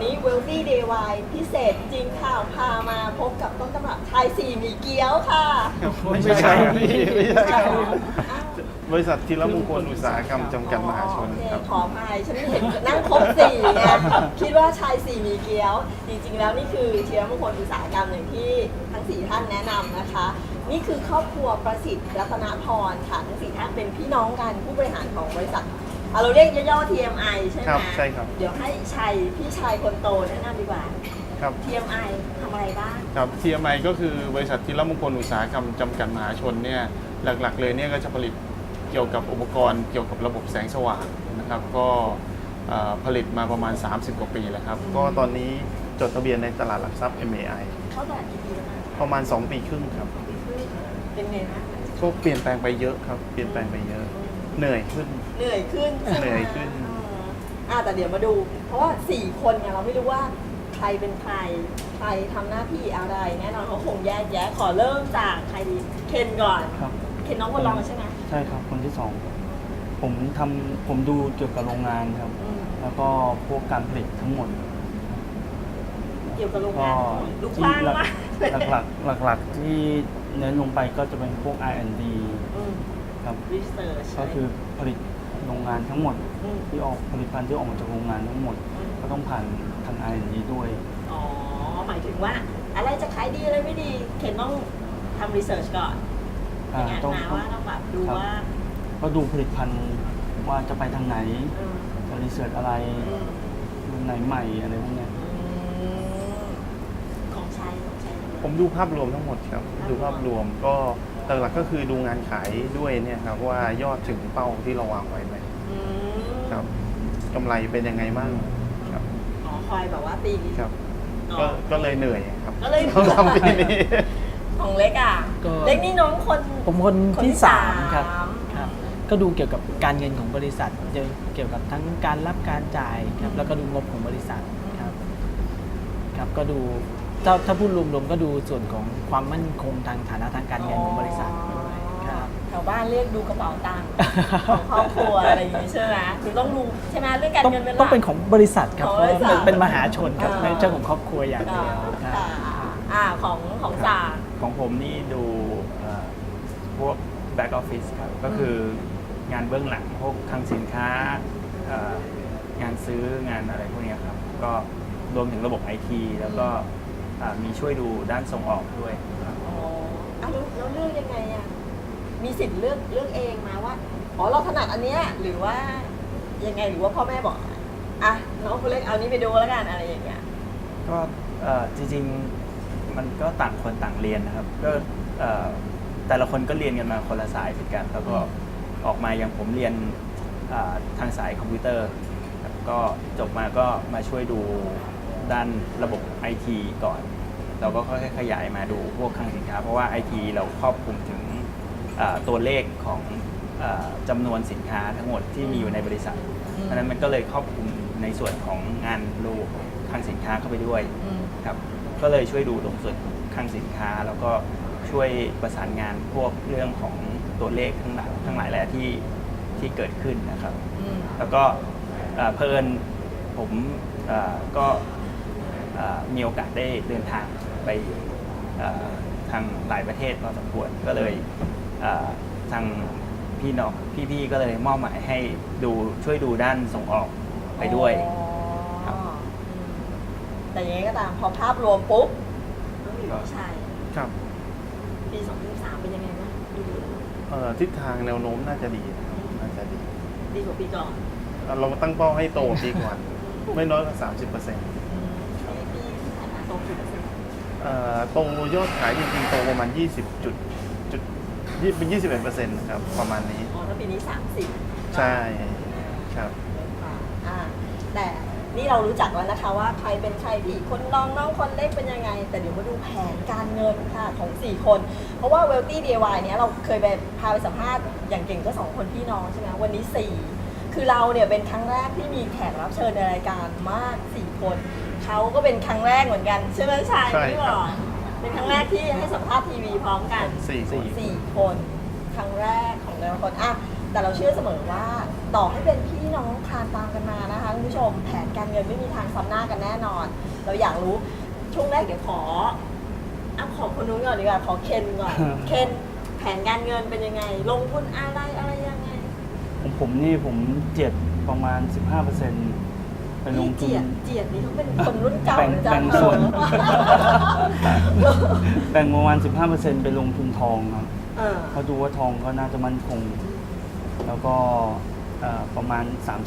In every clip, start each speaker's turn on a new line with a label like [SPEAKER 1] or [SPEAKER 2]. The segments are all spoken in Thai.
[SPEAKER 1] นี้ Wealthy DIY พิเศษจริงค่ะพามาพบกับต้นตำรับชายสี่หมี่เกี๊ยวค่ะ
[SPEAKER 2] ไม่ใช่ครับพี่ไม่ใช่ครับ
[SPEAKER 1] อ้าว
[SPEAKER 2] บริษัทธีรมงคลอุตสาหกรรมจำกัดมหาชน
[SPEAKER 1] โอเค
[SPEAKER 2] ครับ
[SPEAKER 1] ขออภัยฉันไม่เห็นนั่งครบสี่ไงคิดว่าชายสี่หมี่เกี๊ยว จริงๆแล้วนี่คือธีรมงคลอุตสาหกรรมอย่างที่ทั้งสี่ท่านแนะนำนะคะ นี่คือครอบครัวประสิทธิ์รัตนพรค่ะทั้งสี่ท่านเป็นพี่น้องกันผู้บริหารของบริษัทเราเรียกย่อๆ TMI ใช่ไหม
[SPEAKER 2] ครับใช่ครับ
[SPEAKER 1] เดี๋ยวให้ชัยพี่ชายคนโตแนะนำดีกว่า
[SPEAKER 2] ครับ
[SPEAKER 1] TMI ทำอะไรบ้าง
[SPEAKER 2] ครับ TMI ก็คือบริษัทธีรมงคลอุตสาหกรรมจำกัดมหาชนเนี่ยหลักๆเลยเนี่ยก็จะผลิตเกี่ยวกับอุปกรณ์เกี่ยวกับระบบแสงสว่างนะครับก็ผลิตมาประมาณ 30 กว่าปีแล้วครับก็ตอนนี้จดทะเบียนในตลาดหลักทรัพย์ MAI
[SPEAKER 1] เข้าตลาดกี่ปีแล้วนะ
[SPEAKER 2] ประมาณ 2 ปีครึ่งครับ
[SPEAKER 1] ปีครึ่งเป็นไงคะ
[SPEAKER 2] ก็เปลี่ยนแปลงไปเยอะครับเปลี่ยนแปลงไปเยอะเหนื่อยขึ้น
[SPEAKER 1] เหนื่อยขึ้นใช่ไม
[SPEAKER 2] เหนื่อยขึ้น
[SPEAKER 1] แต่เดี๋ยวมาดู เพราะว่า 4 คนเนี่ยเราไม่รู้ว่าใครเป็นใครทำหน้าที่อะไร แน่นอนเขาคงแยกแยะ ขอเริ่มจากใครดี เคนก่อน
[SPEAKER 3] ครับ
[SPEAKER 1] เคนน้องคนรองใช่ไหม
[SPEAKER 3] ใช่ครับคนที่สองผมดูเกี่ยวกับโรงงานครับ
[SPEAKER 1] อืม
[SPEAKER 3] แล้วก็พวกการผลิตทั้งหมด
[SPEAKER 1] เกี่ยวกับโรง
[SPEAKER 3] ก็
[SPEAKER 1] งานลูกว้างมาก
[SPEAKER 3] หลักๆที่เน้นลงไปก็จะเป็นพวก R&D ครับ
[SPEAKER 1] รีเสิร์ช
[SPEAKER 3] ก็คือผลิตโรงงานทั้งหมดที่ออกผลิตภัณฑ์ที่ออกมาจากโรงงานทั้งหมด ก็ต้องผ่านทาง R&D ด้วย
[SPEAKER 1] อ๋อ หมายถึงว่าอะไรจะขายดีอะไรไม่ดี เคนต้องทำรีเสิร์ชก่อนอย่างนั้นนะว่าต้องแบบดู
[SPEAKER 3] ครับ
[SPEAKER 1] ว่า
[SPEAKER 3] ก็ดูผลิตภัณฑ์ว่าจะไปทางไหน
[SPEAKER 1] อืม
[SPEAKER 3] จะรีเสิร์ชอะไร
[SPEAKER 1] อืม
[SPEAKER 3] รุ่นไหนใหม่อะไรพวกเนี้ย
[SPEAKER 1] ของใช้
[SPEAKER 2] ผมดูภาพรวมทั้งหมดครับดูภาพรวมก็หลักๆก็คือดูงานขายด้วยเนี่ยครับว่ายอดถึงเป้าที่เราวางไว้ไหมครับกำไรเป็นยังไงบ้างครับ
[SPEAKER 1] อ๋อคอยแบบว่าตี
[SPEAKER 2] ครับ
[SPEAKER 1] อ๋อ
[SPEAKER 2] ก็เลยเหนื่อยครับ
[SPEAKER 1] ก็เลย
[SPEAKER 2] ต้องทำปีนี้
[SPEAKER 1] ของเล็กอ่ะ
[SPEAKER 4] ก็
[SPEAKER 1] เล็กนี่น้องคน
[SPEAKER 4] ผมคนที่3ครับ
[SPEAKER 1] สาม
[SPEAKER 4] ครับ ก็ดูเกี่ยวกับการเงินของบริษัทเกี่ยวกับทั้งการรับการจ่ายครับแล้วก็ดูงบของบริษัทครับครับก็ดูถ้าพูดรวมๆก็ดูส่วนของความมั่นคงทางฐานะทางการเงินของบริษัทด้วยครับ
[SPEAKER 1] แถวบ้านเรียกดูกระเป๋าตังค์ของครอบครัวอะไรอย่างงี้ใช่ไหมหรือต้องดูใช่ไหมเรื่องการ
[SPEAKER 4] ต้อง
[SPEAKER 1] เงินเป็นหลัก
[SPEAKER 4] ต้องเป็นของบริษัทครับ
[SPEAKER 1] ของ
[SPEAKER 4] เพราะ
[SPEAKER 1] บริษัท
[SPEAKER 4] ว่าเป็นมหาชนครับ
[SPEAKER 1] อ่า
[SPEAKER 4] ไม่ใช่ของครอบครัวอย่างเดียวครับ
[SPEAKER 1] ของจ่า
[SPEAKER 5] ของผมนี่ดูพวก back office ครับ ก็คืองานเบื้องหลังพวกคลังสินค้า งานซื้องานอะไรพวกเนี้ยครับ ก็รวมถึงระบบ IT แล้วก็มีช่วยดูด้านส่งออกด้วยครับ
[SPEAKER 1] อ๋อแล้วเลือกยังไงอ่ะมีสิทธิ์เลือกเองมาว่าอ๋อเราถนัดอันเนี้ยหรือว่ายังไงหรือว่าพ่อแม่บอกอ่ะน้องคนเล็กเอานี้ไปดูแล้วกันอะไรอย่างเงี้ย
[SPEAKER 5] ก็จริงๆมันก็ต่างคนต่างเรียนนะครับก็แต่ละคนก็เรียนกันมาคนละสายเหมือนกันแล้วก็ออกมาอย่างผมเรียนทางสายคอมพิวเตอร์ครับก็จบมาก็มาช่วยดูด้านระบบ IT ก่อนเราก็ค่อยๆขยายมาดูพวกคลังสินค้าเพราะว่า IT เราครอบคลุมถึงตัวเลขของจำนวนสินค้าทั้งหมดที่มีอยู่ในบริษัทเพราะฉะนั้นมันก็เลยครอบคลุมในส่วนของงานรูคลังสินค้าเข้าไปด้วยครับก็เลยช่วยดูตรงส่วนคลังสินค้าแล้วก็ช่วยประสานงานพวกเรื่องของตัวเลขทั้งหลายแหละที่เกิดขึ้นนะครับแล้วก็เพลินผมก็มีโอกาสได้เดินทางไปทางหลายประเทศพอสมควรก็เลยทางพี่ก็เลยมอบหมายให้ช่วยดูด้านส่งออกไปด้วยครับ
[SPEAKER 1] แต่ยังไงก็ตามพอภาพรวมปุ๊บต้องอยู่ที่ชัย
[SPEAKER 2] ครับ
[SPEAKER 1] ปี2023เป็นยังไงบ้างดู
[SPEAKER 2] ทิศทางแนวโน้มน่าจะดีนะครับน่าจะดี
[SPEAKER 1] ดีกว่าปีก่อน
[SPEAKER 2] เราตั้งเป้าให้โตปีก่อนไม่น้อยกว่า 30%
[SPEAKER 1] ปีที่ผ่านมาโตกี่เปอร์เซ็นต์
[SPEAKER 2] โตยอดขายจริงๆโตประมาณ เป็น 21%นะครับประมาณนี้
[SPEAKER 1] อ๋อถ้าปีนี้30
[SPEAKER 2] ใช่ครับ
[SPEAKER 1] แต่นี่เรารู้จักแล้วนะคะว่าใครเป็นใครพี่คนน้องคนเล็กเป็นยังไง แต่เดี๋ยวมาดูแผนการเงินค่ะของ4คนเพราะว่า Wealthy DIY เนี้ยเราเคยไปพาไปสัมภาษณ์อย่างเก่งก็2คนพี่น้องใช่ไหมวันนี้4คือเราเนี่ยเป็นครั้งแรกที่มีแขกรับเชิญในรายการมาก4คนเขาก็เป็นครั้งแรกเหมือนกันใช่ไหมชาย
[SPEAKER 2] ใช่
[SPEAKER 1] ที่
[SPEAKER 2] ครับ
[SPEAKER 1] บอกเป็นครั้งแรกที่ให้สัมภาษณ์ทีวีพร้อมกัน
[SPEAKER 2] 4 คน
[SPEAKER 1] 4 คนครั้งแรกของแต่ละคนอ่ะแต่เราเชื่อเสมอว่าต่อให้เป็นพี่น้องคลานตามกันมานะคะคุณผู้ชมแผนการเงินไม่มีทางซ้ำหน้ากันแน่นอน เราอยากรู้ช่วงแรกเดี๋ยวขอคนนู้นก่อนดีกว่าขอเคนก่อนเคนแผนการเงินเป็นยังไง ลงทุนอะไรยังไง
[SPEAKER 3] ของผมนี่ผมเจียดประมาณ 15%ไปลงทุน
[SPEAKER 1] เจียดนี่เขาเป็นคนรุ่นเก่า
[SPEAKER 3] แบ่ง
[SPEAKER 1] นะจ๊ะ
[SPEAKER 3] แบ่งส่วน แบ่งประมาณ 15%ไปลงทุนทองครับ เขาดูว่าทองก็น่าจะมั่นคง แล้วก็ประมาณ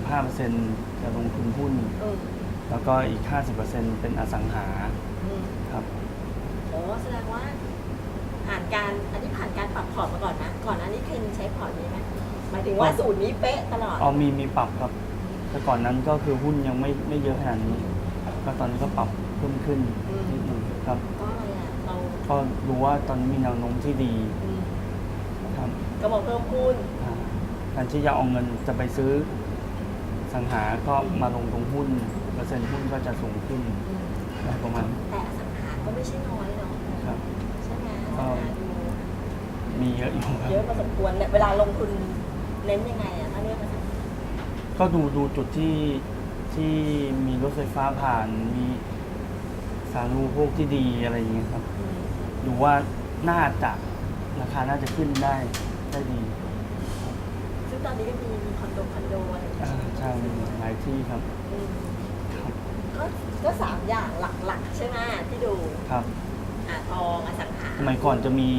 [SPEAKER 3] 35%จะลงทุนหุ้น แล้วก็อีก 50%เป็นอสังหาครับ
[SPEAKER 1] โอ้แสดงว่าผ่านการปรับพอร์ตมาก่อนนะก่อนหน้านี้เคนใช้พอร์ตนี้ไหมหมายถึงว่าสูตรนี้เป๊ะตลอด
[SPEAKER 3] มีปรับครับ แต่ก่อนนั้นก็คือหุ้นยังไม่เยอะขนาดนี้ ก็ตอนนี้ก็ปรับเพิ่มขึ้นนิดหนึงครับ
[SPEAKER 1] ก็อะไรอ่ะเรา
[SPEAKER 3] ก็รู้ว่าตอนนี้มีแนวโน้มที่ดีครับ
[SPEAKER 1] ก็บอกเพิ่มหุ้น
[SPEAKER 3] การที่จะเอาเงินจะไปซื้อสังหาก็มาลงตรงหุ้นเปอร์เซ็นต์หุ้นก็จะสูงขึ้นประมาณ
[SPEAKER 1] แต่อสังหาก็ไม่ใช่น้อยเนาะ
[SPEAKER 3] ครับ
[SPEAKER 1] ใช่ไหมอสังหาดู
[SPEAKER 3] มีเยอะอยู่ครับ
[SPEAKER 1] เยอะพอสมควรเนี่ยเวลาลงทุนเน้นยังไงอ่ะถ้าเรื่องอสังหา
[SPEAKER 3] ก็ดูจุดที่มีรถไฟฟ้าผ่านมีสาธารณูปโภคที่ดีอะไรอย่างเงี้ยครับ ดูว่าน่าจะราคาน่าจะขึ้นได้ดี
[SPEAKER 1] ซึ่งตอนนี้ก็มีคอนโดอะไรอย่างเงี้ย
[SPEAKER 3] ใช่หลายที่ครับ
[SPEAKER 1] อืม
[SPEAKER 3] ครับ
[SPEAKER 1] ก็สามอย่างหลักๆใช่ไหมที่ดู
[SPEAKER 3] ครับ
[SPEAKER 1] ทองอสังหา
[SPEAKER 3] สมัยก่อนจะมี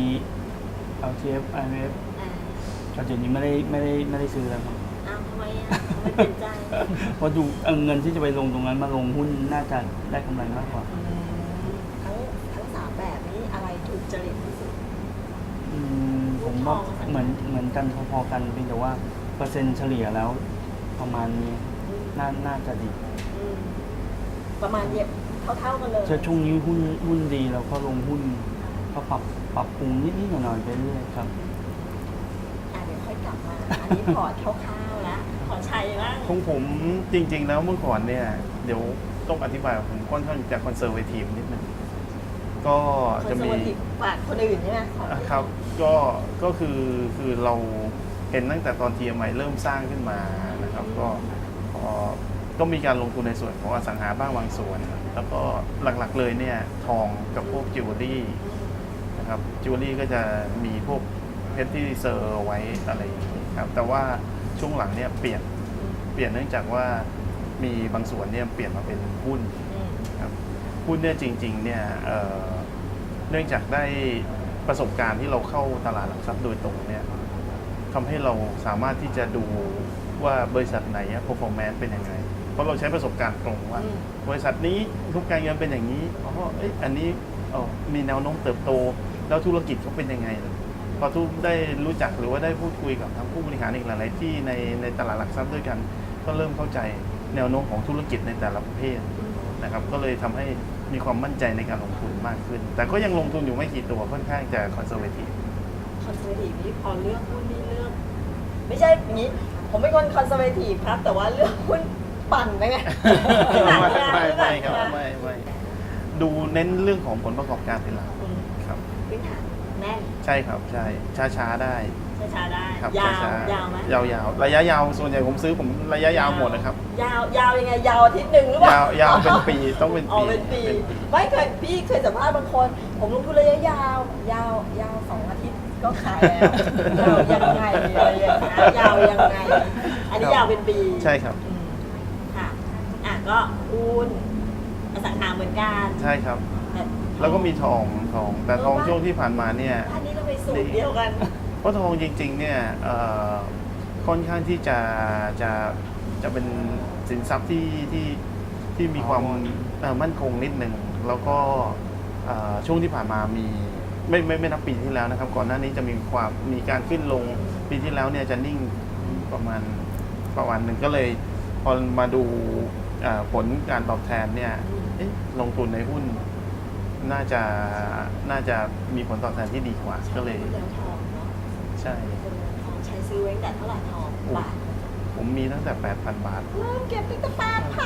[SPEAKER 3] LTF IMF แต่เดี๋ยวนี้ไม่ได้ซื้อแล้วครับ
[SPEAKER 1] อ้าวทำไมอ่ะทำไมเปลี่ยนใจ
[SPEAKER 3] เพราะดูเงินที่จะไปลงตรงนั้นมาลงหุ้นน่าจะได้กำไรมากกว่า
[SPEAKER 1] ทั้งสามแบบนี้อะไรถูกจริตที่สุด
[SPEAKER 3] ผมว่าเหมือนกันพอๆกันเพียงแต่ว่าเปอร์เซ็นต์เฉลี่ยแล้วประมาณนี้น่าจะดี
[SPEAKER 1] ประมาณเย็บเท่ากันเลย
[SPEAKER 3] ช่วงนี้หุ้นดีแล้วก็ลงหุ้นก็ปรับปรุงนิดๆหน่อยๆไปเรื่อยครับ
[SPEAKER 1] เดี๋ยวค่อยกลับมาอันนี้พอร์ตคร่าวๆแล้วขอชัยบ้าง
[SPEAKER 2] ของผมจริง ๆ แล้วเมื่อก่อนเนี่ยเดี๋ยวต้องอธิบายว่าผมค่อนข้างจะคอนเซอร์เวทีฟนิดนึงก็จะมี
[SPEAKER 1] ฝากคนอื่นใช่ไหม
[SPEAKER 2] ครับก็คือเราเห็นตั้งแต่ตอน TMI เริ่มสร้างขึ้นมานะครับก็มีการลงทุนในส่วนของอสังหาบ้างบางส่วน แล้วก็หลักๆเลยเนี่ยทองกับพวกจิวเวลรี่นะครับจิวเวลรี่ก็จะมีพวกเพชรที่เซอร์ไว้อะไรอย่างนี้ครับแต่ว่าช่วงหลังเนี่ยเปลี่ยนเนื่องจากว่ามีบางส่วนเนี่ยเปลี่ยนมาเป็นหุ้นครับหุ้นเนี่ยจริงๆเนี่ยเนื่องจากได้ประสบการณ์ที่เราเข้าตลาดหลักทรัพย์โดยตรงเนี่ยทำให้เราสามารถที่จะดูว่าบริษัทไหน performance เป็นยังไงเพราะเราใช้ประสบการณ์ตรงว่าบริษัทนี้ทุกการเงินเป็นอย่างนี้อันนี้มีแนวโน้มเติบโตแล้วธุรกิจเขาเป็นยังไงพอทุกได้รู้จักหรือว่าได้พูดคุยกับทางผู้บริหารอีกหลายๆที่ในตลาดหลักทรัพย์ด้วยกันก็เริ่มเข้าใจแนวโน้มของธุรกิจในแต่ละประเภทนะครับก็เลยทำให้มีความมั่นใจในการลงทุนมากขึ้นแต่ก็ยังลงทุนอยู่ไม่กี่ตัวค่อนข้างจะคอนเซอร์เวทีฟ
[SPEAKER 1] นี่พอเลือกหุ้นนี่เลือกไม่ใช่อย่างนี้ผมเป็นคนคอนเซอร์เวทีฟครับแต่ว่าเลือกหุ้นปั่นไปไง
[SPEAKER 2] ไม่ครับไม่ดูเน้นเรื่องของผลประกอบการเป็นหลักครับ
[SPEAKER 1] พื้นฐานแน่น
[SPEAKER 2] ใช่ครับใช่ช้าได้
[SPEAKER 1] ช้าได้
[SPEAKER 2] ครับ
[SPEAKER 1] ยาว
[SPEAKER 2] ช้
[SPEAKER 1] ยาวไหม
[SPEAKER 2] ยาวระยะยาวส่วนใหญ่ผมซื้อผมระยะยาวหมดนะครับ
[SPEAKER 1] ยาวยังไงยาวอาทิตย์หนึ่งหรือเปล่าย
[SPEAKER 2] าวเป็นปีต้องเป็น
[SPEAKER 1] อ๋อ
[SPEAKER 2] ปี
[SPEAKER 1] เป็นปีไม่เคยพี่เคยสัมภาษณ์บางคน ผมลงทุนระยะยาว2 อาทิตย์ก็ขายแล้วยาวยังไงอะไรอย่างเงี้ยยาวยังไงอันนี้ยาวเป็นปี
[SPEAKER 2] ใช่ครับ
[SPEAKER 1] ค่ะก็หุ้นอสังหาเหมือนกัน
[SPEAKER 2] ใช่ครับ แล้วก็มีทองแต่ทองช่วงที่ผ่านมาเนี่ย
[SPEAKER 1] อันนี้เราไปสูตรเดียวกัน
[SPEAKER 2] เพราะทองจริงๆเนี่ยค่อนข้างที่จะเป็นสินทรัพย์ที่มีความมั่นคงนิดหนึ่งแล้วก็ช่วงที่ผ่านมามีไม่นับปีที่แล้วนะครับก่อนหน้านี้จะมีการขึ้นลงปีที่แล้วเนี่ยจะนิ่งประมาณหนึ่งก็เลยพอมาดูผลการตอบแทนเนี่ยลงทุนในหุ้นน่าจะมีผลตอบแทนที่ดีกว่าก็เลย
[SPEAKER 1] ทองเนาะ
[SPEAKER 2] ใช่
[SPEAKER 1] ทองใช้ซื้อไว้ตั้งแต่เท่าไหร่ทองบาท
[SPEAKER 2] ผมมีตั้งแต่ 8,000 บาท
[SPEAKER 1] เริ่มเก็บตั้งแต่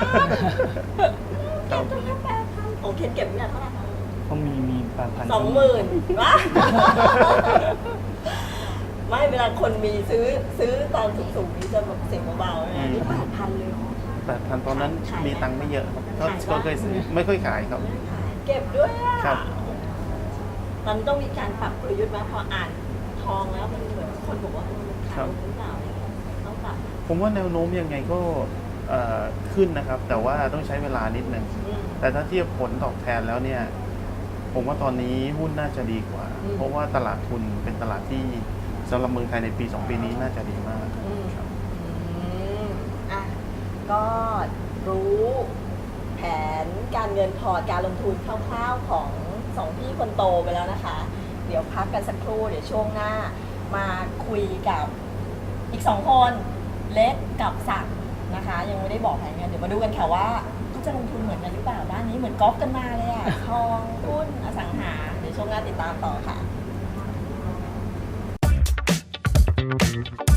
[SPEAKER 1] 8,000เก็บตั้งแต่8,000โอ้เคนเก็บตั้งแต่เท่าไหร่
[SPEAKER 3] ก็มี8,000
[SPEAKER 1] 20,000วะไม่เวลาคนมีซื้อตอนสูงๆนี่จะแบบเสียงเบาๆนะนี่8,000เลยเหรอ
[SPEAKER 2] 8,000ตอนนั้น
[SPEAKER 1] ขายไหม
[SPEAKER 2] มีตังค์ไม่เยอะครับก็
[SPEAKER 1] ขายปะ
[SPEAKER 2] ก็เคยซื้อไม่ค่อยขายครับ
[SPEAKER 1] เก็บด้วยอ่ะ
[SPEAKER 2] ครับ
[SPEAKER 1] มันต้องมีการปรับกลยุทธ์ไหมพออ่านทองแล้วมันเหมือนคนบอกว่ามันขายหรือเปล่าอะไรเงี้ยต้องปรับ
[SPEAKER 2] ผมว่าแนวโน้มยังไงก็ขึ้นนะครับ แต่ว่าต้องใช้เวลานิดนึง แต่ถ้าเทียบผลตอบแทนแล้วเนี่ย ผมว่าตอนนี้หุ้นน่าจะดีกว่า เพราะว่าตลาดทุนเป็นตลาดที่สำหรับเมืองไทยในปี 2 ปีนี้น่าจะดีมากครับ
[SPEAKER 1] อ่ะก็รู้แผนการเงินพอร์ตการลงทุนคร่าวๆของสองพี่คนโตไปแล้วนะคะ เดี๋ยวพักกันสักครู่เดี๋ยวช่วงหน้ามาคุยกับอีก2 คนเล็กกับศักดิ์นะคะ ยังไม่ได้บอกแผนเงินเดี๋ยวมาดูกันค่ะว่าเขาจะลงทุนเหมือนกันหรือเปล่าด้านนี้เหมือนกอล์ฟกันมาเลยอะทองหุ้นอสังหาเดี๋ยวช่วงหน้าติดตามต่อค่ะ